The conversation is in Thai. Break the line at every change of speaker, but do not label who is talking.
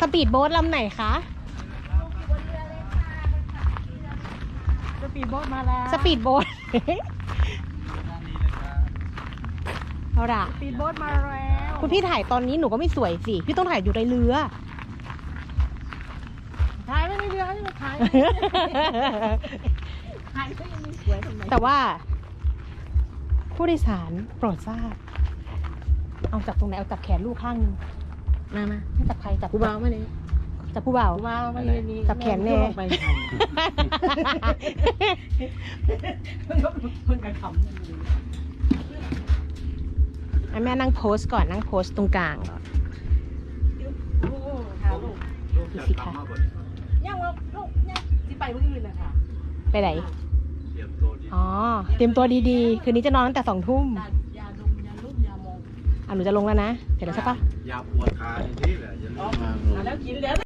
สปีดโบ๊ทลำไหนคะ
สปีดโบ๊ทมาแล้ว
สปีดโบ๊ท เอาล่ะ
สปีดโบ๊ทมาแล้ว
คุณพี่ถ่ายตอนนี้หนูก็ไม่สวยสิ พี่ต้องถ่ายอยู่ในเรือ
ถ่ายไม่ได้เรือนี่มาถ่ายถ่ายก็ยังไม่สวยทำไม
แต่ว่า ผู้โดยสารโปรดทราบ เอาจับตรงไหน เอาจับแขนลูกข้างนึง
มา
ให้จับใครจับ
กูเบามาเลย
จับผู้บ่าว
กูเบามาเลยนี่
จับแขนแน่
ไปทำเพิ่งกระทำนั่นเลย
แม่นั่งโพสก่อนนั่งโพสตรงกลางก่อน
โอ้ค่ะลูก
ดูสิคะ
ยังว่าลูกยังที่ไปเมื่อคืนนะคะ
ไปไหน อ๋อ เตรียมตัวดีๆ คืนนี้จะนอนตั้งแต่2 ทุ่ม
ยาดมยาลุ่มยามอง
หนูจะลงแล้วนะ เสร็จแล้วใช่ปะ
ยาปวดขาอย่างนี้แหละอย่าลืม
แล้วกินแล้ว